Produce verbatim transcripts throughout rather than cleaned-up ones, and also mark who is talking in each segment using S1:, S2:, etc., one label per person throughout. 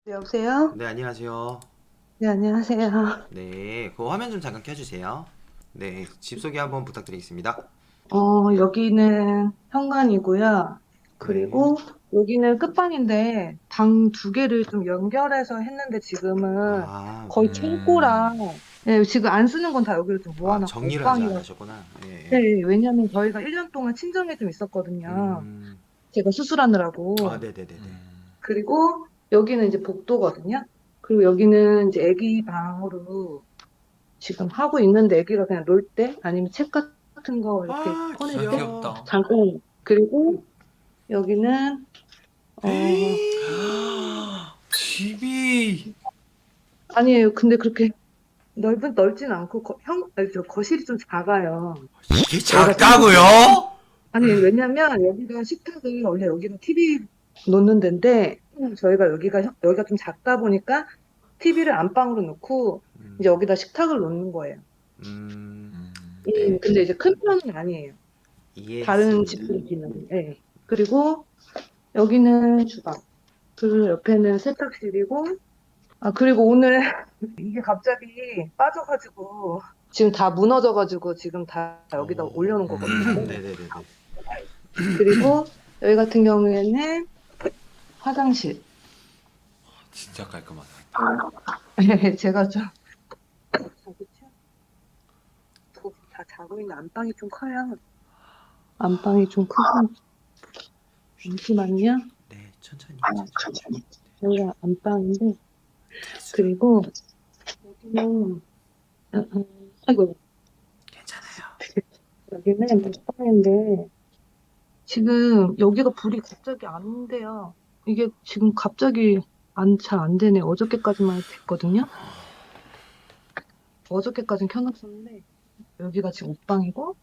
S1: 네, 여보세요?
S2: 네, 안녕하세요.
S1: 네, 안녕하세요.
S2: 네, 그 화면 좀 잠깐 켜주세요. 네, 집 소개 한번 부탁드리겠습니다.
S1: 어, 여기는 현관이고요.
S2: 네.
S1: 그리고 여기는 끝방인데 방 두 개를 좀 연결해서 했는데 지금은
S2: 아,
S1: 거의
S3: 음,
S1: 창고랑 네, 지금 안 쓰는 건 다 여기로 좀
S2: 아,
S1: 모아놨고
S2: 정리를 아직 안
S1: 옷방이라.
S2: 하셨구나. 예,
S1: 네,
S2: 예.
S1: 왜냐면 저희가 일 년 동안 친정에 좀 있었거든요.
S2: 음,
S1: 제가
S2: 아,
S1: 수술하느라고.
S2: 네네네네.
S3: 음,
S1: 그리고 여기는 이제 복도거든요. 그리고 여기는 이제 애기 방으로 지금 하고 있는데 애기가 그냥 놀 때 아니면 책 같은 거 이렇게
S2: 아,
S1: 꺼낼
S3: 아,
S1: 때
S2: 귀여워.
S3: 귀엽다.
S1: 잠깐. 그리고 여기는 어
S2: 집이
S1: 아니에요. 근데 그렇게 넓은 넓진 않고 거, 형 아니, 저 거실이 좀 작아요.
S2: 이게
S1: 여기가 티비
S2: 작다고요?
S1: 아니 왜냐면 여기가 식탁이 원래 여기가 티비 놓는 데인데 저희가 여기가 형- 여기가 좀 작다 보니까 티비를 안방으로 놓고 이제
S2: 음,
S1: 여기다 식탁을 놓는 거예요.
S2: 음,
S3: 음,
S1: 음,
S2: 네,
S1: 근데 이제 큰 편은 아니에요. 다른
S2: 이해했습니다.
S1: 집들이 비는. 예. 그리고 여기는 주방. 그 옆에는 세탁실이고, 아, 그리고 오늘 이게 갑자기 빠져가지고, 지금 다 무너져가지고, 지금 다 여기다
S2: 어,
S1: 올려놓은 거거든요.
S3: 음,
S2: 네네네네.
S1: 그리고 여기 같은 경우에는 화장실.
S3: 진짜 깔끔하다.
S1: 제가 좀, 그쵸? 다 자고 있는 안방이 좀 커요. 안방이 좀 크고, 잠시만요.
S2: 네, 천천히, 천천히.
S1: 여기가 안방인데,
S2: 대수로.
S1: 그리고 여기는, 아, 아, 아이고,
S2: 괜찮아요.
S1: 여기는 안방인데, 지금 여기가 불이 갑자기 안 돼요. 이게 지금 갑자기 안, 잘 안 되네. 어저께까지만 됐거든요. 어저께까진 켜놨었는데 여기가 지금 옷방이고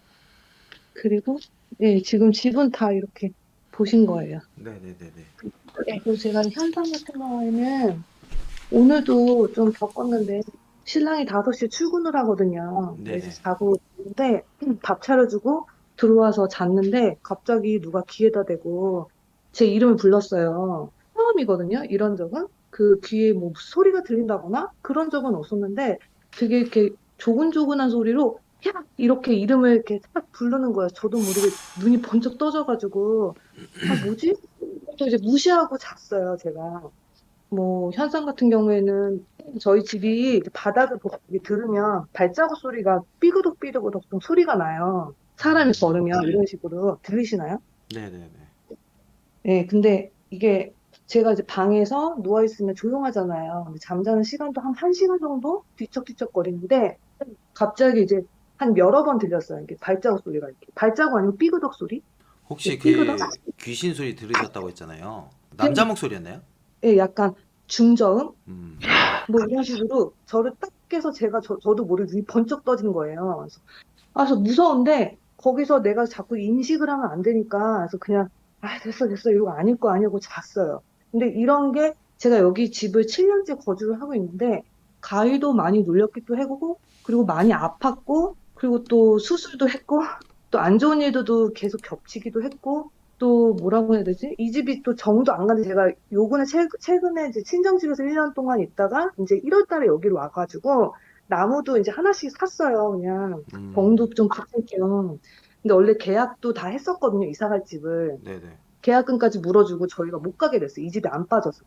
S1: 그리고 예, 지금 집은 다 이렇게 보신 거예요.
S2: 네네네네.
S1: 네. 그리고 제가 현상 같은 경우에는 오늘도 좀 겪었는데 신랑이 다섯 시에 출근을 하거든요. 그래서
S2: 네네.
S1: 자고 있는데 밥 차려주고 들어와서 잤는데 갑자기 누가 귀에다 대고 제 이름을 불렀어요. 처음이거든요. 이런 적은. 그 귀에 뭐 소리가 들린다거나 그런 적은 없었는데 되게 이렇게 조근조근한 소리로 야! 이렇게 이름을 이렇게 딱 부르는 거예요. 저도 모르게 눈이 번쩍 떠져가지고 아 뭐지? 또 이제 무시하고 잤어요, 제가. 뭐 현상 같은 경우에는 저희 집이 바닥을 보고 이렇게 들으면 발자국 소리가 삐그덕삐그덕 좀 소리가 나요. 사람이 걸으면 이런 식으로 들리시나요?
S2: 네네네.
S1: 네, 근데 이게 제가 이제 방에서 누워 있으면 조용하잖아요. 근데 잠자는 시간도 한 1시간 정도 뒤척뒤척 거리는데 갑자기 이제 한 여러 번 들렸어요. 이게 발자국 소리가 이렇게 발자국 아니면 삐그덕 소리?
S2: 혹시
S1: 이렇게 삐그덕?
S2: 그 귀신 소리 들으셨다고 했잖아요. 남자 목소리였나요?
S1: 네, 약간 중저음?
S2: 음.
S1: 뭐 이런 식으로 저를 딱 깨서 제가 저, 저도 모르게 눈이 번쩍 떠진 거예요. 그래서, 아, 그래서 무서운데 거기서 내가 자꾸 인식을 하면 안 되니까 그래서 그냥 아, 됐어, 됐어. 이러고 아닐 거 아니고 잤어요. 근데 이런 게 제가 여기 집을 칠 년째 거주를 하고 있는데 가위도 많이 눌렸기도 하고 그리고 많이 아팠고 그리고 또 수술도 했고 또 안 좋은 일들도 계속 겹치기도 했고 또 뭐라고 해야 되지? 이 집이 또 정도 안 가는데 제가 요번에 최, 최근에 이제 친정집에서 일 년 동안 있다가 이제 일월 달에 여기로 와가지고 나무도 이제 하나씩 샀어요. 그냥
S2: 음.
S1: 병도 좀 붙일 겸. 근데 원래 계약도 다 했었거든요. 이사 갈 집을.
S2: 네네.
S1: 계약금까지 물어주고 저희가 못 가게 됐어요. 이 집에 안 빠져서.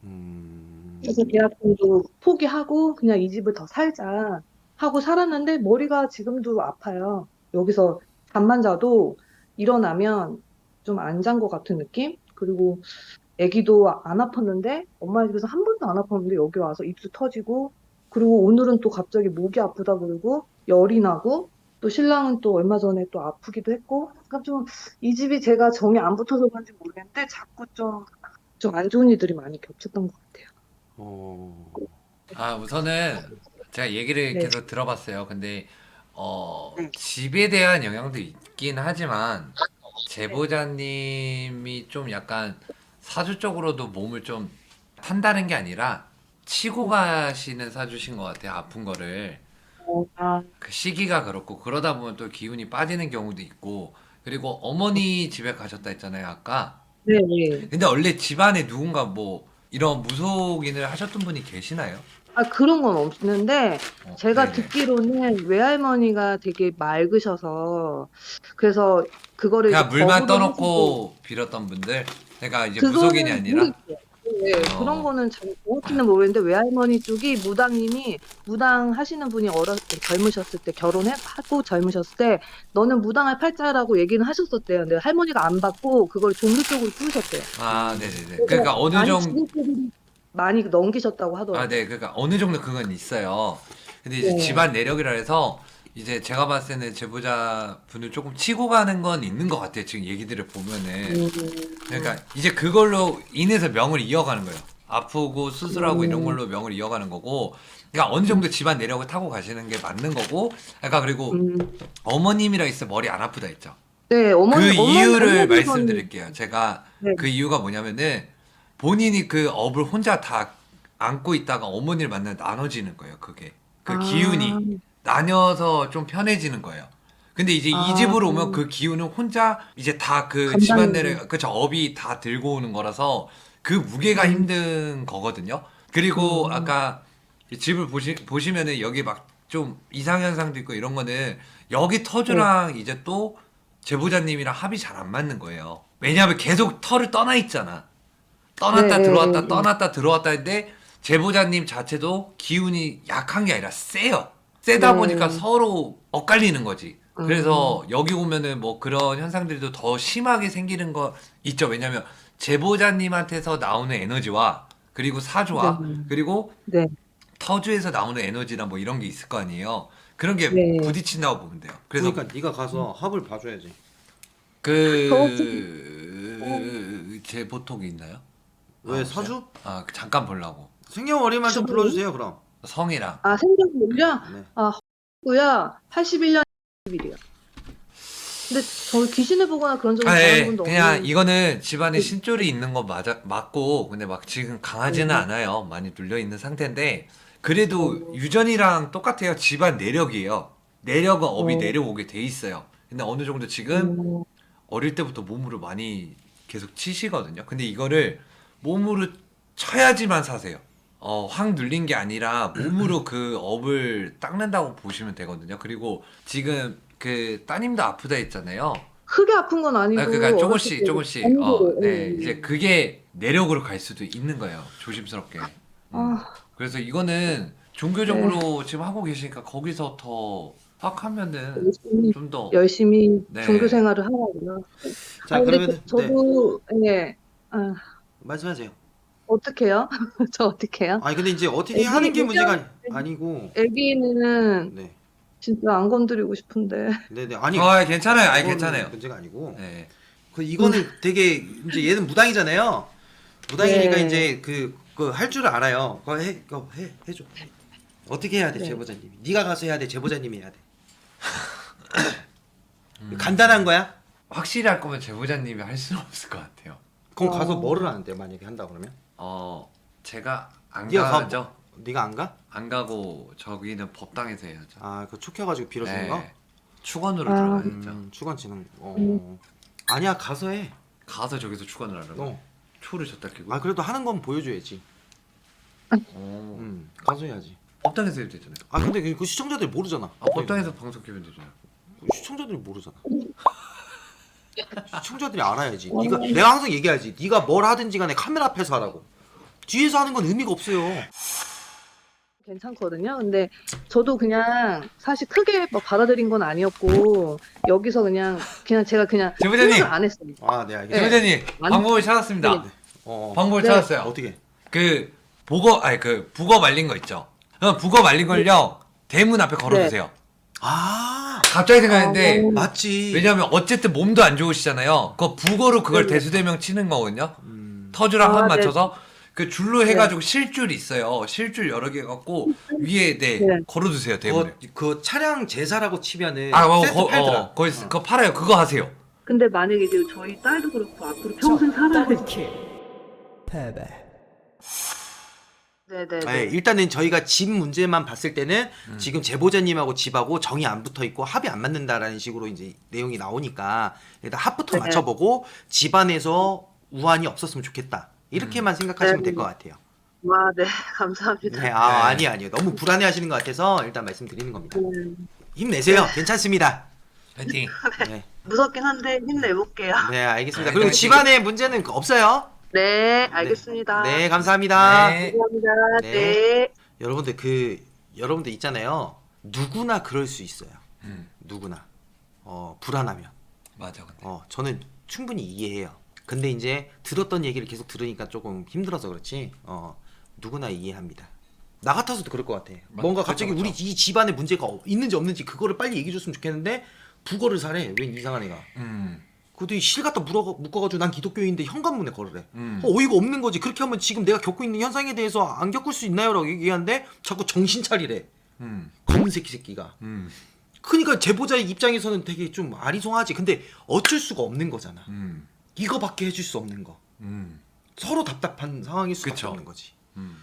S1: 그래서
S2: 음.
S1: 계약금도 포기하고 그냥 이 집을 더 살자 하고 살았는데 머리가 지금도 아파요. 여기서 잠만 자도 일어나면 좀 안 잔 것 같은 느낌? 그리고 아기도 안 아팠는데 엄마 집에서 한 번도 안 아팠는데 여기 와서 입수 터지고 그리고 오늘은 또 갑자기 목이 아프다 그러고 열이 나고 또 신랑은 또 얼마 전에 또 아프기도 했고 그러니까 좀 이 집이 제가 정이 안 붙어서 그런지 모르겠는데 자꾸 좀 좀 안 좋은 일들이 많이 겹쳤던 것 같아요.
S2: 어.
S3: 아, 우선은 제가 얘기를
S1: 네.
S3: 계속 들어봤어요. 근데, 어,
S1: 네.
S3: 집에 대한 영향도 있긴 하지만,
S1: 네.
S3: 제보자님이 좀 약간 사주적으로도 몸을 좀 탄다는 게 아니라, 치고 가시는 사주신 것 같아요. 아픈 거를.
S1: 어, 아,
S3: 그 시기가 그렇고, 그러다 보면 또 기운이 빠지는 경우도 있고, 그리고 어머니 집에 가셨다 했잖아요, 아까.
S1: 네, 네.
S3: 근데 원래 집안에 누군가 뭐 이런 무속인을 하셨던 분이 계시나요?
S1: 아, 그런 건 없는데,
S3: 어,
S1: 제가
S3: 네네.
S1: 듣기로는 외할머니가 되게 맑으셔서, 그래서 그거를 이제
S3: 그냥 물만
S1: 거부를 하시고,
S3: 떠놓고 빌었던 분들. 그러니까 이제 무속인이
S1: 그거는
S3: 아니라.
S1: 모르겠어요. 네, 그런
S3: 어.
S1: 거는 잘 정확히는 모르겠는데, 외할머니 쪽이 무당님이, 무당 하시는 분이 어렸, 젊으셨을 때, 결혼하고 젊으셨을 때, 너는 무당할 팔자라고 얘기는 하셨었대요. 근데 할머니가 안 받고, 그걸 종교 쪽으로 쓰셨대요.
S3: 아, 네네네.
S1: 그래서
S3: 그러니까 어느
S1: 많이
S3: 정도
S1: 지금 분들이 많이 넘기셨다고
S3: 아,
S1: 하더라고요.
S3: 네. 그러니까 어느 정도 그건 있어요. 근데 이제
S1: 네.
S3: 집안 내력이라 해서 이제 제가 봤을 때는 제보자 분을 조금 치고 가는 건 있는 것 같아요. 지금 얘기들을 보면은.
S1: 음,
S3: 그러니까 이제 그걸로 인해서 명을 이어가는 거예요. 아프고 수술하고 이런
S1: 음,
S3: 걸로 명을 이어가는 거고. 그러니까 어느 정도 집안 내력을 타고 가시는 게 맞는 거고. 그러니까 그리고
S1: 음.
S3: 어머님이라 있어 머리 안 아프다 했죠.
S1: 네,
S3: 그
S1: 어머니, 어머니,
S3: 이유를
S1: 어머니는,
S3: 말씀드릴게요. 제가
S1: 네.
S3: 그 이유가 뭐냐면은 본인이 그 업을 혼자 다 안고 있다가 어머니를 만나면 나눠지는 거예요. 그게 그
S1: 아,
S3: 기운이 나뉘어서 좀 편해지는 거예요. 근데 이제 이
S1: 아,
S3: 집으로 오면 그 기운은 혼자 이제 다 그
S1: 감당이,
S3: 집안내를 그쵸 업이 다 들고 오는 거라서 그 무게가
S1: 음,
S3: 힘든 거거든요. 그리고
S1: 음,
S3: 아까 이 집을 보시 보시면은 여기 막 좀 이상현상도 있고 이런 거는 여기
S1: 네,
S3: 터주랑 이제 또 제보자님이랑 합이 잘 안 맞는 거예요. 왜냐하면 계속 터를 떠나 있잖아.
S1: 네,
S3: 떠났다
S1: 네,
S3: 들어왔다
S1: 네,
S3: 떠났다 들어왔다 했는데 제보자님 자체도 기운이 약한 게 아니라 세요. 세다 보니까
S1: 네,
S3: 서로 엇갈리는 거지.
S1: 음,
S3: 그래서 여기 오면은 뭐 그런 현상들도 더 심하게 생기는 거 있죠. 왜냐면 제보자님한테서 나오는 에너지와 그리고
S1: 네,
S3: 사주와 그리고
S1: 네,
S3: 터주에서 나오는 에너지나 뭐 이런 게 있을 거 아니에요. 그런 게
S1: 네.
S3: 부딪힌다고 보면 돼요. 그래서
S2: 그러니까 네가 가서 합을 봐줘야지.
S1: 저 지금, 어,
S3: 그 제보톡이 있나요? 아,
S2: 왜
S3: 없어요?
S2: 사주?
S3: 아, 그 잠깐 보려고.
S2: 생년월일만 좀
S1: 주부,
S2: 불러주세요 그럼.
S3: 성이랑.
S1: 아, 생년월일요?
S2: 네.
S1: 아, 허구야, 팔십일 년 일이요. 근데 저 귀신을 보거나 그런 적은
S3: 아,
S1: 단 한
S3: 예.
S1: 번도
S3: 그냥
S1: 없는,
S3: 이거는 집안에
S1: 네,
S3: 신줄이 있는 거 맞아, 맞고, 근데 막 지금 강하지는
S1: 네,
S3: 않아요. 많이 눌려 있는 상태인데, 그래도
S1: 어,
S3: 유전이랑 똑같아요. 집안 내력이에요. 내력은 업이
S1: 어,
S3: 내려오게 돼 있어요. 근데 어느 정도 지금
S1: 어,
S3: 어릴 때부터 몸으로 많이 계속 치시거든요. 근데 이거를 몸으로 쳐야지만 사세요. 어, 확 눌린 게 아니라 몸으로 그 업을 닦는다고 보시면 되거든요. 그리고 지금 그 따님도 아프다 했잖아요.
S1: 크게 아픈 건
S3: 아,
S1: 아니고,
S3: 그러니까
S1: 어렸을
S3: 조금씩
S1: 때
S3: 조금씩 어,
S1: 정도로,
S3: 네,
S1: 예,
S3: 이제
S1: 예.
S3: 그게 내력으로 갈 수도 있는 거예요. 조심스럽게. 음.
S1: 아,
S3: 그래서 이거는
S1: 네,
S3: 종교적으로 지금 하고 계시니까 거기서 더 확하면은
S1: 열심히,
S3: 좀 더,
S1: 열심히 종교
S3: 네.
S1: 생활을 하라고요. 아,
S2: 자
S1: 근데 저,
S2: 그러면은 네
S1: 저도, 예, 아,
S2: 말씀하세요.
S1: 어떡해요? 저 어떡해요?
S2: 아니 근데 이제 어떻게
S1: 애기,
S2: 하는 게
S1: 애기한,
S2: 문제가 아니고
S1: 애기는
S2: 네
S1: 진짜 안 건드리고 싶은데.
S2: 네네 아니
S3: 아, 괜찮아요. 아니,
S2: 그거는
S3: 괜찮아요.
S2: 문제가 아니고
S3: 네.
S2: 그 이거는 되게 이제 얘는 무당이잖아요. 무당이니까
S1: 네,
S2: 이제 그 그 할 줄 알아요. 그거 해 그거 해 해줘. 어떻게 해야 돼
S1: 네.
S2: 제보자님이? 네가 가서 해야 돼 제보자님이 해야 돼.
S3: 음,
S2: 간단한 거야?
S3: 확실히 할 거면 제보자님이 할 수는 없을 것 같아요.
S2: 그럼 가서
S1: 어,
S2: 뭐를 하는데 만약에 한다 그러면?
S3: 어, 제가 안
S2: 네가 가
S3: 가죠.
S2: 네가 안 가?
S3: 안 가고 저기는 법당에서 해야죠.
S2: 아그 촉혀가지고 빌어주는 거?
S3: 네. 축원으로
S1: 아,
S3: 들어가야죠.
S2: 음 주관치는 어
S1: 음,
S2: 아니야 가서 해.
S3: 가서 저기서 축원을 하라고.
S2: 어.
S3: 초를 줬다 끼고.
S2: 아 그래도 하는 건 보여줘야지.
S3: 어.
S2: 음 가서 해야지.
S3: 법당에서 해도 되잖아요.
S2: 아 근데 그, 그 시청자들이 모르잖아.
S3: 아, 법당에서 방송 키면 되잖아요.
S2: 시청자들이 모르잖아. 시청자들이 알아야지. 네가 내가 항상 얘기하지. 네가 뭘 하든지 간에 카메라 앞에서 하라고. 뒤에서 하는 건 의미가 없어요.
S1: 괜찮거든요. 근데 저도 그냥 사실 크게 뭐 받아들인 건 아니었고 여기서 그냥 그냥 제가 그냥
S3: 제보자님!
S1: 생각을 안 했어요.
S2: 아, 네 알겠습니다.
S1: 네.
S3: 제보자님
S1: 안-
S3: 방법을 찾았습니다.
S1: 네.
S2: 어.
S3: 방법을
S1: 네.
S3: 찾았어요.
S2: 어떻게?
S3: 그 보거 아니 그 북어 말린 거 있죠. 그 북어 말린 걸요 대문 앞에 걸어두세요.
S2: 아
S3: 갑자기 생각했는데
S1: 어,
S2: 맞지.
S3: 왜냐면 어쨌든 몸도 안 좋으시잖아요. 그 북어로 그걸
S1: 네.
S3: 대수대명 치는 거거든요.
S2: 음.
S3: 터주랑
S1: 아,
S3: 한
S1: 네.
S3: 맞춰서 그 줄로 해가지고 실줄 있어요. 실줄 여러 개 갖고 위에 네,
S1: 네.
S3: 걸어두세요 대문에.
S2: 그, 그 차량 제사라고 치면은
S3: 아, 어,
S2: 세트
S3: 거,
S2: 팔더라.
S3: 어, 거기 그거 팔아요. 그거 하세요.
S1: 근데 만약에 이제 저희 딸도 그렇고 앞으로 평생 살아야 돼.
S4: 패배.
S1: 네네.
S2: 네, 일단은 저희가 집 문제만 봤을 때는
S3: 음.
S2: 지금 제보자님하고 집하고 정이 안 붙어 있고 합이 안 맞는다라는 식으로 이제 내용이 나오니까 일단 합부터
S1: 네.
S2: 맞춰보고 집안에서 우환이 없었으면 좋겠다. 이렇게만 생각하시면
S1: 네.
S2: 될 것 같아요.
S1: 아, 네. 감사합니다.
S2: 네, 아,
S3: 네.
S2: 아니 아니요. 너무 불안해하시는 것 같아서 일단 말씀드리는 겁니다.
S1: 네.
S2: 힘내세요. 괜찮습니다.
S3: 파이팅.
S2: 네,
S1: 무섭긴 한데 힘내볼게요.
S2: 네 알겠습니다.
S3: 네,
S2: 그리고
S3: 네.
S2: 집안에 문제는 없어요?
S1: 네, 알겠습니다.
S2: 네, 감사합니다.
S3: 네.
S1: 감사합니다.
S2: 네.
S1: 네.
S2: 여러분들 그 여러분들 있잖아요. 누구나 그럴 수 있어요.
S3: 음,
S2: 누구나 어 불안하면
S3: 맞아 근데.
S2: 어 저는 충분히 이해해요. 근데 이제 들었던 얘기를 계속 들으니까 조금 힘들어서 그렇지 어 누구나 이해합니다. 나 같아서도 그럴 것 같아.
S3: 맞-
S2: 뭔가
S3: 그쵸,
S2: 갑자기
S3: 그쵸.
S2: 우리 이 집안에 문제가 없- 있는지 없는지 그거를 빨리 얘기해 줬으면 좋겠는데 부거를 사래. 웬 이상한 애가.
S3: 음,
S2: 그것도 실 갖다 물어, 묶어가지고 난 기독교인데 현관문에 걸으래.
S3: 음.
S2: 어, 어이가 없는 거지. 그렇게 하면 지금 내가 겪고 있는 현상에 대해서 안 겪을 수 있나요? 라고 얘기하는데 자꾸 정신 차리래.
S3: 음,
S2: 검은 새끼 새끼가.
S3: 음,
S2: 그러니까 제보자의 입장에서는 되게 좀 아리송하지. 근데 어쩔 수가 없는 거잖아.
S3: 음,
S2: 이거밖에 해줄 수 없는 거.
S3: 음,
S2: 서로 답답한 상황일 수밖에
S3: 그쵸.
S2: 없는 거지.
S3: 음.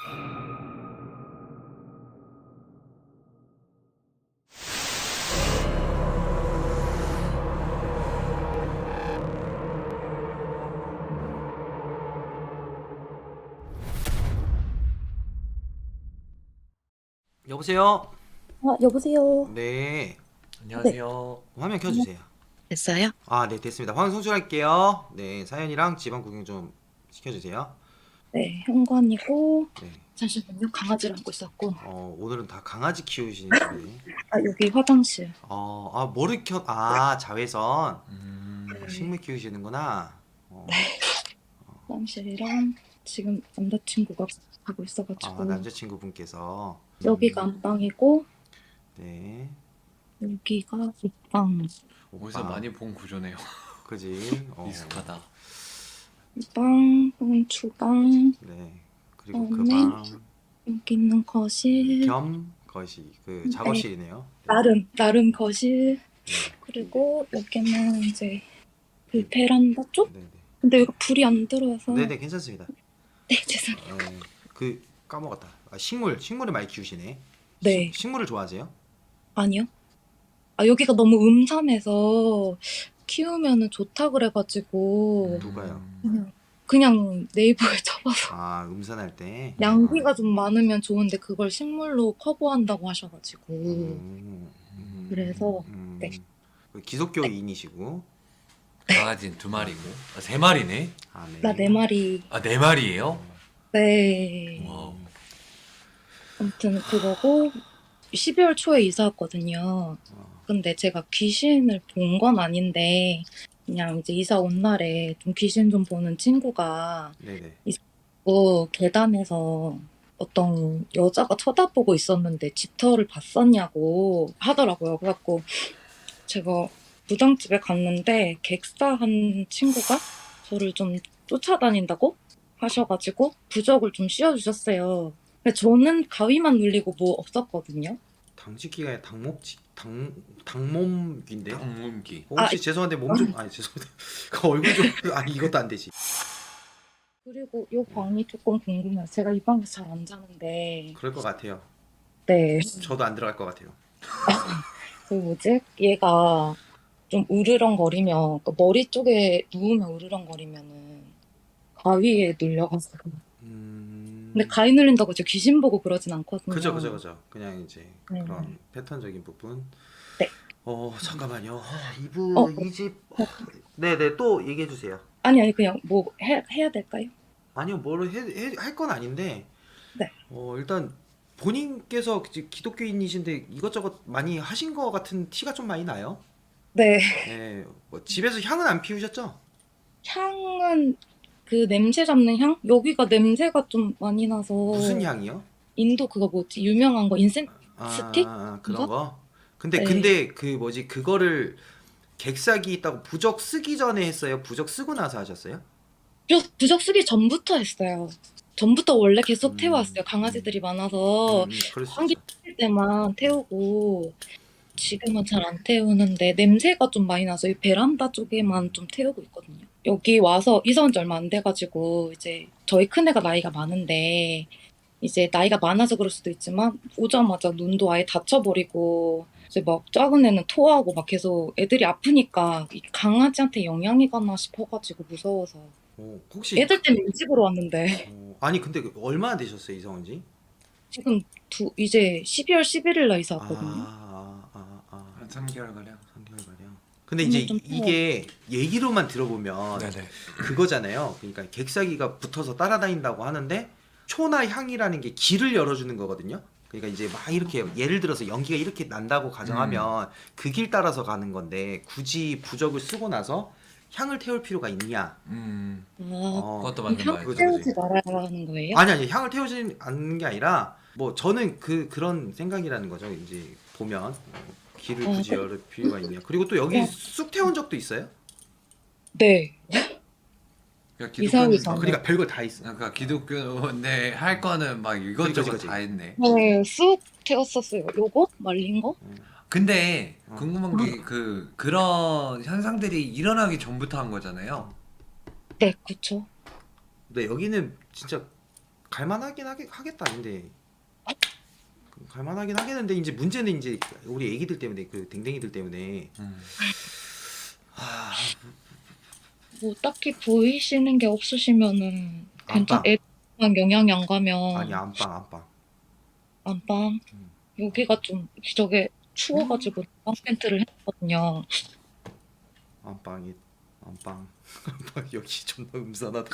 S2: 여보세요?
S5: 아, 여보세요.
S2: 네.
S3: 안녕하세요.
S2: 화면 켜주세요.
S5: 됐어요?
S2: 아, 네, 됐습니다. 화면 송출할게요. 네, 사연이랑 집안 구경 좀 시켜주세요.
S5: 네, 현관이고
S2: 네.
S5: 잠시만요. 강아지를 안고 있었고.
S2: 어, 오늘은 다 강아지 키우시는 분이.
S5: 아, 여기 화장실.
S2: 어, 아, 뭐를 켜, 아, 자외선.
S3: 음,
S2: 식물 키우시는구나. 어,
S5: 화장실이랑 지금 남자친구가 가고 있어가지고
S2: 아, 남자친구분께서. 음,
S5: 여기가 안방이고
S2: 네.
S5: 여기가 옷방.
S3: 어디서
S2: 오빠.
S3: 많이 본 구조네요.
S2: 그지? 어,
S3: 익숙하다.
S5: 방, 음, 주방,
S2: 네. 그리고 그
S5: 네.
S2: 방,
S5: 여기 있는 거실.
S2: 겸 거실, 그 작업실이네요.
S5: 나름 나름 거실.
S2: 네.
S5: 그리고 여기는 이제 그 베란다 쪽.
S2: 네네.
S5: 근데 여기 불이 안 들어와서.
S2: 네네, 괜찮습니다.
S5: 네, 죄송해요.
S2: 네. 그, 까먹었다. 아, 식물, 식물을 많이 키우시네.
S5: 네.
S2: 식- 식물을 좋아하세요?
S5: 아니요. 아, 여기가 너무 음산해서 키우면은 좋다 그래가지고
S2: 누가요?
S5: 그냥, 그냥 네이버에 쳐봐서
S2: 아, 음산할 때.
S5: 양기가 좀 많으면 좋은데 그걸 식물로 커버한다고 하셔가지고
S2: 음, 음,
S5: 그래서
S2: 음.
S5: 네.
S2: 그 기독교인이시고.
S3: 강아지는 두 마리고. 아, 세 마리네.
S2: 아, 네.
S5: 나 네 마리.
S3: 아, 네 마리예요?
S5: 네.
S3: 와우.
S5: 아무튼 그거고 십이월 초에 이사 왔거든요.
S2: 어,
S5: 근데 제가 귀신을 본 건 아닌데 그냥 이제 이사 온 날에 좀 귀신 좀 보는 친구가
S2: 네네.
S5: 그 계단에서 어떤 여자가 쳐다보고 있었는데 집터를 봤었냐고 하더라고요. 그래갖고 제가 무당집에 갔는데 객사한 친구가 저를 좀 쫓아다닌다고 하셔가지고 부적을 좀 씌워주셨어요. 근데 저는 가위만 눌리고 뭐 없었거든요.
S2: 당직기가 아니라 당목지, 당, 당몸기인데요?
S3: 방문기.
S2: 어, 혹시
S5: 아,
S2: 죄송한데 몸 좀, 아니 죄송합니다. 그 얼굴 좀, 아니 이것도 안 되지.
S5: 그리고 이 방이 조금 궁금해요. 제가 이 방에서 잘 안 자는데
S2: 그럴 것 같아요.
S5: 네.
S2: 저도 안 들어갈 것 같아요.
S5: 그 뭐지? 얘가 좀 으르렁거리면 그 머리 쪽에 누우면 으르렁거리면은 가위에 눌려가지고.
S2: 음.
S5: 근데 가위 눌린다고 제가 귀신 보고 그러진 않거든요.
S2: 그죠, 그죠, 그죠. 그냥 이제
S5: 네.
S2: 그런 패턴적인 부분.
S5: 네.
S2: 어, 잠깐만요. 어, 이분
S5: 어,
S2: 이 집. 어, 네네, 또 얘기해 주세요.
S5: 아니 아니 그냥 뭐 해, 해야 될까요?
S2: 아니요, 뭐를 할 건 아닌데.
S5: 네.
S2: 어, 일단 본인께서 기- 기독교인이신데 이것저것 많이 하신 거 같은 티가 좀 많이 나요.
S5: 네.
S2: 네, 뭐 집에서 향은 안 피우셨죠?
S5: 향은 그 냄새 잡는 향? 여기가 냄새가 좀 많이 나서
S2: 무슨 향이요?
S5: 인도 그거 뭐지? 유명한 거 인센
S2: 아,
S5: 스틱?
S2: 아, 그런
S5: 이거?
S2: 거? 근데
S5: 네.
S2: 근데 그 뭐지 그거를 객사기 있다고 부적 쓰기 전에 했어요? 부적 쓰고 나서 하셨어요?
S5: 부적, 부적 쓰기 전부터 했어요. 전부터 원래 계속
S2: 음,
S5: 태워왔어요. 강아지들이 많아서
S2: 음, 그럴 수
S5: 환기
S2: 있죠.
S5: 칠 때만 태우고 지금은 잘 안 태우는데 냄새가 좀 많이 나서 이 베란다 쪽에만 좀 태우고 있거든요. 여기 와서 이사 온 지 얼마 안 돼가지고 이제 저희 큰애가 나이가 많은데 이제 나이가 많아서 그럴 수도 있지만 오자마자 눈도 아예 다쳐버리고 이제 막 작은 애는 토하고 막 계속 애들이 아프니까 이 강아지한테 영향이 가나 싶어가지고 무서워서
S2: 어, 혹시
S5: 애들 때문에 이 집으로 왔는데
S2: 어, 아니 근데 그 얼마나 되셨어요 이사 온 지?
S5: 지금 두 이제 십이월 십일일 날 이사
S2: 아,
S5: 왔거든요.
S2: 아, 아, 아,
S3: 한 삼 개월 가량.
S2: 삼 개월 가량. 근데
S5: 오늘
S2: 이제
S5: 좀
S2: 이게 얘기로만 들어보면
S3: 네네.
S2: 그거잖아요. 그러니까 객사기가 붙어서 따라다닌다고 하는데 초나 향이라는 게 길을 열어주는 거거든요. 그러니까 이제 막 이렇게 예를 들어서 연기가 이렇게 난다고 가정하면 그 길 따라서 가는 건데 굳이 부적을 쓰고 나서 향을 태울 필요가 있냐?
S3: 음.
S5: 아,
S2: 어,
S3: 그것도
S5: 그럼
S3: 맞는
S5: 향
S3: 말이죠.
S5: 태우지 말아야 하는 거예요?
S2: 아니 아니 향을 태우지 않는 게 아니라 뭐 저는 그 그런 생각이라는 거죠. 이제 보면 어, 길을
S5: 어,
S2: 굳이
S5: 그-
S2: 열을 필요가 있냐. 그리고 또 여기
S5: 어.
S2: 쑥 태운 적도 있어요.
S5: 네.
S3: 그러니까
S5: 이사 오기
S3: 기독교는
S5: 전에.
S2: 그러니까 별걸 다 있어.
S3: 그러니까 기독교인데 할 거는 막 이것저것
S2: 그치, 그치.
S3: 다 했네.
S5: 네, 쑥 태웠었어요. 요거 말린 거?
S3: 근데
S2: 어.
S3: 궁금한 게 그 그런 현상들이 일어나기 전부터 한 거잖아요.
S5: 네, 그쵸.
S2: 근데 여기는 진짜 갈만하긴 하겠, 하겠다. 근데 갈만하긴 하겠는데 이제 문제는 이제 우리 애기들 때문에 그 댕댕이들 때문에
S3: 음.
S2: 하,
S5: 뭐 딱히 보이시는 게 없으시면은 괜찮.
S2: 안방.
S5: 애만 영향이 안 가면
S2: 아니 안방 안방.
S5: 안방
S2: 음.
S5: 여기가 좀 저게 추워가지고 안방 텐트를 했거든요.
S2: 안방이 안방 안방 여기 존나 음산하다.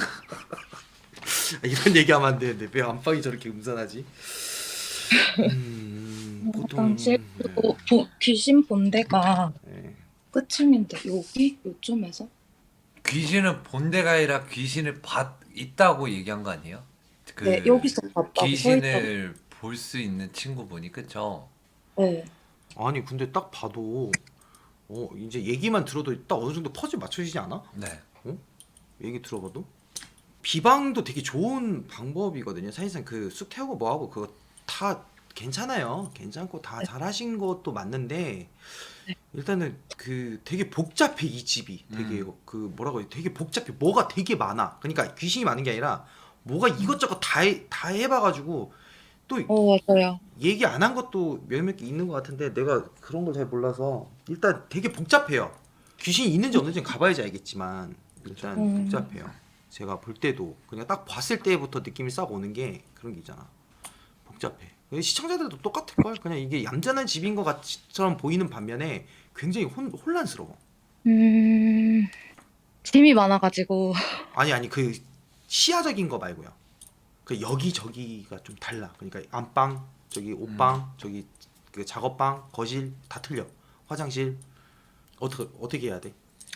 S2: 이런 얘기하면 안 되는데 왜 안방이 저렇게 음산하지? 음, 보통
S5: 화장실 그리고 보- 귀신 본데가
S2: 네, 네.
S5: 끝층인데 여기 요쯤에서
S3: 귀신은 본데가 아니라 귀신을 봤 있다고 얘기한 거 아니에요? 그
S5: 네 여기서 봤다고 서 있다고.
S3: 귀신을 볼 수 있는 친구분이 그쵸?
S5: 네.
S2: 아니 근데 딱 봐도 어 이제 얘기만 들어도 딱 어느 정도 퍼즐 맞춰지지 않아?
S3: 네.
S2: 얘기 들어봐도 비방도 되게 좋은 방법이거든요. 사실상 그 쑥 태우고 뭐하고 그거 다 괜찮아요. 괜찮고 다 잘하신 것도 맞는데 일단은 그 되게 복잡해 이 집이 되게
S3: 음.
S2: 그 뭐라고 해야 되게 복잡해 뭐가 되게 많아. 그러니까 귀신이 많은 게 아니라 뭐가 이것저것 다, 해, 다 해봐가지고 또
S5: 어 맞아요.
S2: 얘기 안 한 것도 몇몇 개 있는 것 같은데 내가 그런 걸 잘 몰라서 일단 되게 복잡해요. 귀신이 있는지 없는지 가봐야지 알겠지만 일단
S5: 음.
S2: 복잡해요. 제가 볼 때도 그냥 딱 봤을 때부터 느낌이 싹 오는 게 그런 게 있잖아. 복잡해. 시청자들도 똑같을 걸. 그냥 이게 얌전한 집인 것 같처럼 보이는 반면에 굉장히 혼, 혼란스러워.
S5: 음 짐이 많아가지고
S2: 아니 아니 그 시야적인 거 말고요. 그 여기 저기가 좀 달라. 그러니까 안방, 저기 옷방, 저기 그 작업방, 거실 다 틀려. 화장실 어떻게 어떻게 해야 돼?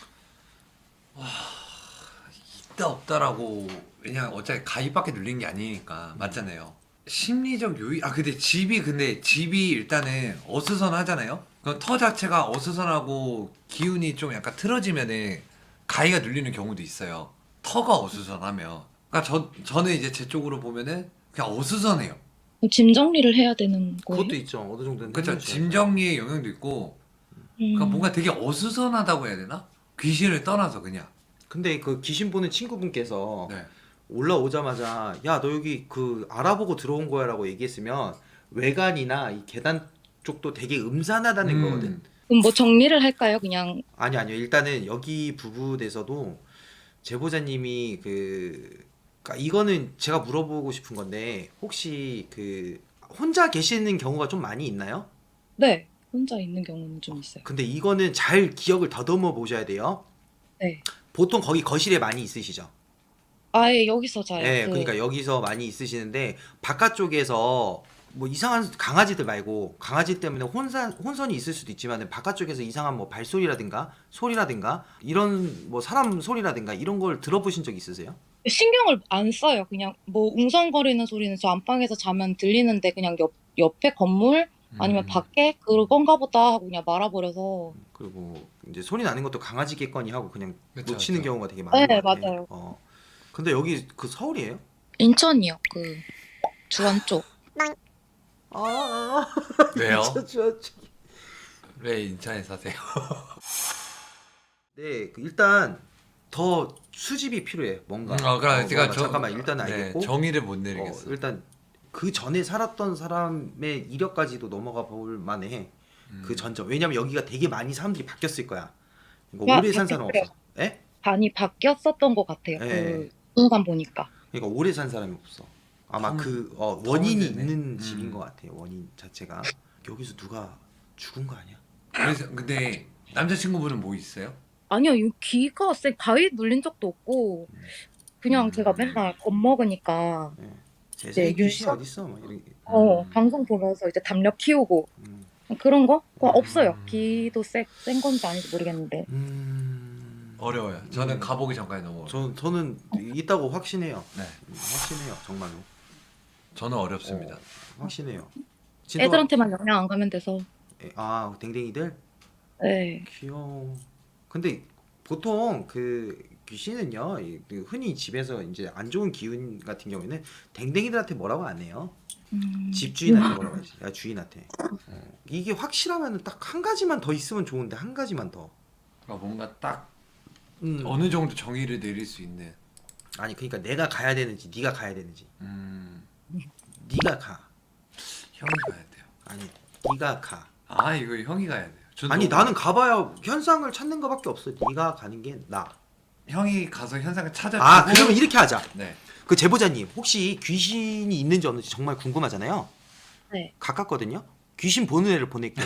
S3: 있다 없다라고 그냥 어차피 가입밖에 눌린 게 아니니까 맞잖아요. 심리적 요인 아 근데 집이 근데 집이 일단은 어수선하잖아요. 그럼 터 자체가 어수선하고 기운이 좀 약간 틀어지면은 가위가 눌리는 경우도 있어요. 터가 어수선하면. 그러니까 저 저는 이제 제 쪽으로 보면은 그냥 어수선해요.
S5: 짐 정리를 해야 되는 거예요.
S2: 그것도 있죠. 어느 정도는
S3: 그렇죠.
S2: 해야죠.
S3: 짐 정리의 영향도 있고 그러니까
S5: 음.
S3: 뭔가 되게 어수선하다고 해야 되나? 귀신을 떠나서 그냥.
S2: 근데 그 귀신 보는 친구분께서
S3: 네.
S2: 올라오자마자 야 너 여기 그 알아보고 들어온 거야라고 얘기했으면 외관이나 이 계단 쪽도 되게 음산하다는
S3: 음.
S2: 거거든.
S5: 그럼 뭐 정리를 할까요? 그냥
S2: 아니 아니요. 일단은 여기 부부에서도 제보자님이 그 그러니까 이거는 제가 물어보고 싶은 건데 혹시 그 혼자 계시는 경우가 좀 많이 있나요?
S5: 네 혼자 있는 경우는 좀 있어요.
S2: 근데 이거는 잘 기억을 더듬어 보셔야 돼요.
S5: 네.
S2: 보통 거기 거실에 많이 있으시죠?
S5: 아예 여기서 자요.
S2: 네,
S5: 그
S2: 그러니까 여기서 많이 있으시는데 바깥쪽에서 뭐 이상한 강아지들 말고 강아지 때문에 혼선 혼선이 있을 수도 있지만 바깥쪽에서 이상한 뭐 발소리라든가 소리라든가 이런 뭐 사람 소리라든가 이런 걸 들어보신 적 있으세요?
S5: 신경을 안 써요. 그냥 뭐 웅성거리는 소리는 저 안방에서 자면 들리는데 그냥 옆 옆에 건물 아니면
S3: 음.
S5: 밖에 그건가 보다 하고 그냥 말아버려서.
S2: 그리고 이제 소리 나는 것도 강아지겠거니 하고 그냥
S3: 그쵸,
S2: 놓치는
S3: 그쵸.
S2: 경우가 되게 많은
S5: 네,
S2: 것 같아.
S5: 맞아요.
S2: 어. 근데 여기 그 서울이에요?
S5: 인천이요. 그 주안 쪽.
S2: 아,
S3: 왜요?
S2: 저, 저, 저.
S3: 왜 인천에 사세요?
S2: 네, 그 일단 더 수집이 필요해. 뭔가.
S3: 음, 어, 그럼
S2: 어,
S3: 제가
S2: 뭔가
S3: 저-
S2: 잠깐만 일단은
S3: 네,
S2: 알겠고.
S3: 정의를 못
S2: 어,
S3: 내리겠어.
S2: 일단 그 전에 살았던 사람의 이력까지도 넘어가 볼 만해.
S3: 음.
S2: 그 전점. 왜냐면 여기가 되게 많이 사람들이 바뀌었을 거야. 이거
S5: 야,
S2: 오래 산 사람
S5: 바뀌었어요.
S2: 없어. 에?
S5: 반이 바뀌었었던 것 같아요.
S2: 네.
S5: 그 순간 보니까.
S2: 그러니까 오래 산 사람이 없어. 아마
S3: 처음-
S2: 그 어, 원인이
S3: 처음 듣네.
S2: 있는
S3: 음.
S2: 집인 것 같아요. 원인 자체가 여기서 누가 죽은 거 아니야?
S3: 그래서 근데 남자친구분은 뭐 있어요?
S5: 아니요, 이 귀가 쎄 가위 눌린 적도 없고 그냥
S3: 음.
S5: 제가 맨날 겁먹으니까
S2: 세상에
S5: 네,
S2: 귀신이
S5: 윤서-
S2: 어디 있어? 막 이런.
S5: 어
S3: 음.
S5: 방송 보면서 이제 담력 키우고
S2: 음.
S5: 그런 거 그거
S3: 음.
S5: 없어요. 귀도 쎄, 센 건지 아닌지 모르겠는데.
S2: 음.
S3: 어려워요. 저는
S2: 음.
S3: 가보기 전까지 너무 어려워요.
S2: 저 저는 있다고 확신해요.
S3: 네,
S2: 음, 확신해요. 정말로.
S3: 저는 어렵습니다.
S2: 어, 확신해요. 진짜-
S5: 애들한테만 영향 안 가면 돼서.
S2: 에, 아 댕댕이들
S5: 네.
S2: 귀여워. 근데 보통 그 귀신은요, 이- 그 흔히 집에서 이제 안 좋은 기운 같은 경우에는 댕댕이들한테 뭐라고 안 해요.
S5: 음.
S2: 집주인한테 뭐라고 하지? 야 주인한테. 어. 이게 확실하면 딱 한 가지만 더 있으면 좋은데 한 가지만 더.
S3: 그러니까 뭔가 딱
S2: 음.
S3: 어느 정도 정의를 내릴 수 있는.
S2: 아니 그러니까 내가 가야 되는지 네가 가야 되는지.
S3: 음,
S2: 네가 가.
S3: 형이 가야 돼요.
S2: 아니 네가 가.
S3: 아 이거 형이 가야 돼요. 저는
S2: 아니
S3: 너무-
S2: 나는 가봐야 현상을 찾는 거밖에 없어. 네가 가는 게 나.
S3: 형이 가서 현상을 찾아주고.
S2: 아 그러면 이렇게 하자.
S3: 네.
S2: 그 제보자님 혹시 귀신이 있는지 없는지 정말 궁금하잖아요.
S5: 네.
S2: 가깝거든요. 귀신 보는 애를 보낼게요.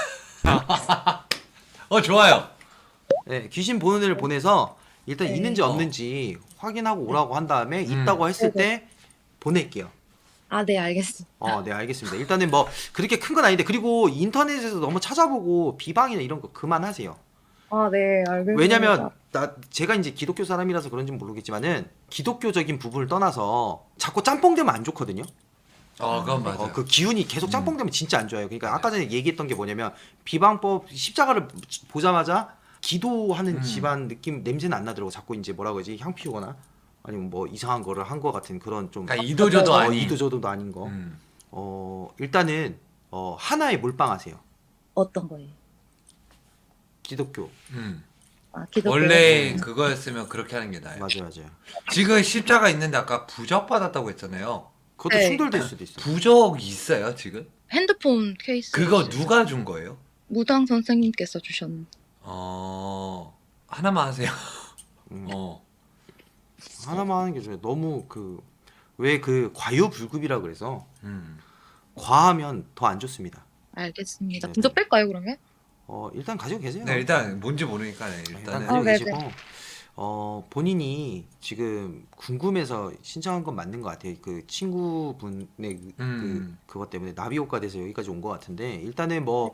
S3: 어 좋아요.
S2: 네, 귀신 보는 애를 보내서 일단
S5: 네.
S2: 있는지
S3: 어.
S2: 없는지 확인하고 오라고 한 다음에
S3: 음.
S2: 있다고 했을
S5: 네,
S2: 때 보낼게요.
S5: 아, 네, 알겠습니다.
S2: 어, 네 알겠습니다. 일단은 뭐 그렇게 큰 건 아닌데 그리고 인터넷에서 너무 찾아보고 비방이나 이런 거 그만하세요.
S5: 아, 네, 알겠습니다.
S2: 왜냐면 나 제가 이제 기독교 사람이라서 그런지는 모르겠지만은 기독교적인 부분을 떠나서 자꾸 짬뽕되면 안 좋거든요.
S3: 어 그건 맞아요.
S2: 어, 그 기운이 계속
S3: 음.
S2: 짬뽕되면 진짜 안 좋아요. 그러니까
S3: 맞아요.
S2: 아까 전에 얘기했던 게 뭐냐면 비방법 십자가를 보자마자 기도하는
S3: 음.
S2: 집안 느낌 냄새는 안 나더라고. 자꾸 이제 뭐라고 하지 향 피우거나 아니면 뭐 이상한 거를 한 거 같은 그런 좀
S3: 그러니까 이도저도
S2: 어,
S3: 아닌.
S2: 이도저도도 아닌 거.
S3: 음.
S2: 어 일단은 어 하나에 몰빵하세요.
S5: 어떤 거예요?
S2: 기독교.
S3: 음.
S5: 아, 기독교.
S3: 원래 그거였으면 그렇게 하는 게 나아요.
S2: 맞아요, 맞아요.
S3: 지금 십자가 있는데 아까 부적 받았다고 했잖아요.
S2: 그것도
S5: 네.
S2: 충돌될 수도 있어요.
S3: 부적 있어요 지금?
S5: 핸드폰 케이스.
S3: 그거 누가 준 거예요?
S5: 무당 선생님께서 주셨는.
S3: 어 하나만 하세요.
S2: 음.
S3: 어.
S2: 하나만 하는 게 좋아요. 너무 그 왜 그 과유불급이라 그래서
S3: 음.
S2: 과하면 더 안 좋습니다.
S5: 알겠습니다.
S2: 네,
S5: 먼저
S2: 네.
S5: 뺄까요, 그러면?
S2: 어 일단 가지고 계세요.
S3: 네 일단 뭔지 모르니까 네,
S2: 일단
S3: 일단은
S2: 가지고
S5: 어, 네네.
S2: 계시고 어 본인이 지금 궁금해서 신청한 건 맞는 것 같아요. 그 친구분의 그,
S3: 음.
S2: 그 그것 때문에 나비효과 돼서 여기까지 온 것 같은데 일단은 뭐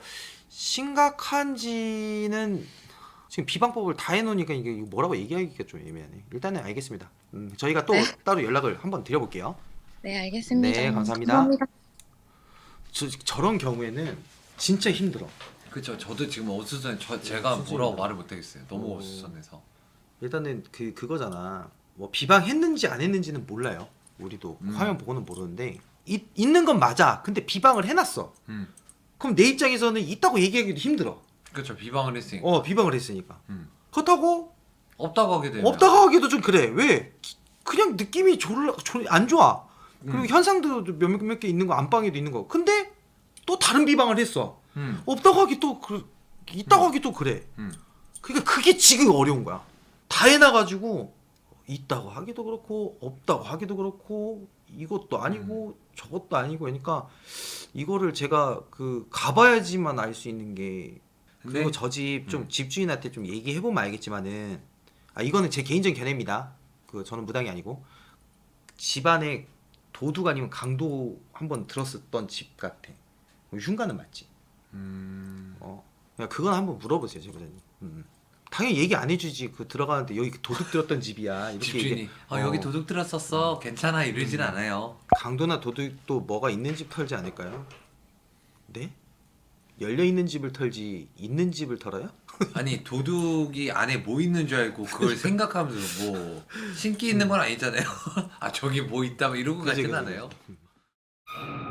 S2: 심각한지는 지금 비방법을 다 해놓으니까 이게 뭐라고 얘기하기가 좀 애매하네. 일단은 알겠습니다. 음, 저희가 또
S5: 네.
S2: 따로 연락을 한번 드려볼게요.
S5: 네, 알겠습니다.
S2: 네, 감사합니다.
S5: 감사합니다.
S2: 저, 저런 경우에는 진짜 힘들어.
S3: 그쵸. 저도 지금 어수선. 저 제가
S2: 진짜
S3: 뭐라고
S2: 힘들어.
S3: 말을 못하겠어요. 너무
S2: 어.
S3: 어수선해서.
S2: 일단은 그 그거잖아. 뭐 비방했는지 안 했는지는 몰라요. 우리도
S3: 음.
S2: 화면 보고는 모르는데 이, 있는 건 맞아. 근데 비방을 해놨어.
S3: 음.
S2: 그럼 내 입장에서는 있다고 얘기하기도 힘들어.
S3: 그쵸. 비방을 했으니까.
S2: 어 비방을 했으니까.
S3: 음.
S2: 그렇다고
S3: 없다고 하게 되면.
S2: 없다고 하기도 좀 그래. 왜? 기- 그냥 느낌이 졸라 졸- 안 좋아. 그리고
S3: 음.
S2: 현상도 몇몇 개 있는 거 안방에도 있는 거. 근데 또 다른 비방을 했어.
S3: 음.
S2: 없다고 하기 또 그, 있다고
S3: 음.
S2: 하기 또 그래.
S3: 음.
S2: 그러니까 그게 지금 어려운 거야. 다 해놔가지고 있다고 하기도 그렇고 없다고 하기도 그렇고 이것도 아니고 저것도 아니고 그러니까 이거를 제가 그 가봐야지만 알 수 있는 게 그리고
S3: 근데-
S2: 저 집 좀
S3: 음.
S2: 집주인한테 좀 얘기해 보면 알겠지만은 아 이거는 제 개인적인 견해입니다. 그 저는 무당이 아니고 집안에 도둑 아니면 강도 한번 들었었던 집 같아. 흉가는 맞지.
S3: 음.
S2: 어, 그냥 그건 한번 물어보세요, 제보자님. 음. 당연히 얘기 안 해주지. 그 들어가는데 여기 도둑 들었던 집이야. 이렇게
S3: 집주인이
S2: 얘기-
S3: 어, 여기 도둑 들었었어. 괜찮아 이러진
S2: 음.
S3: 않아요.
S2: 강도나 도둑도 뭐가 있는 집 털지 않을까요? 네? 열려 있는 집을 털지 있는 집을 털어요?
S3: 아니 도둑이 안에 뭐 있는 줄 알고 그걸 생각하면서 뭐 신기 있는 건 아니잖아요. 아 저기 뭐 있다 뭐 이러고
S2: 그지,
S3: 가진
S2: 그지.
S3: 않아요.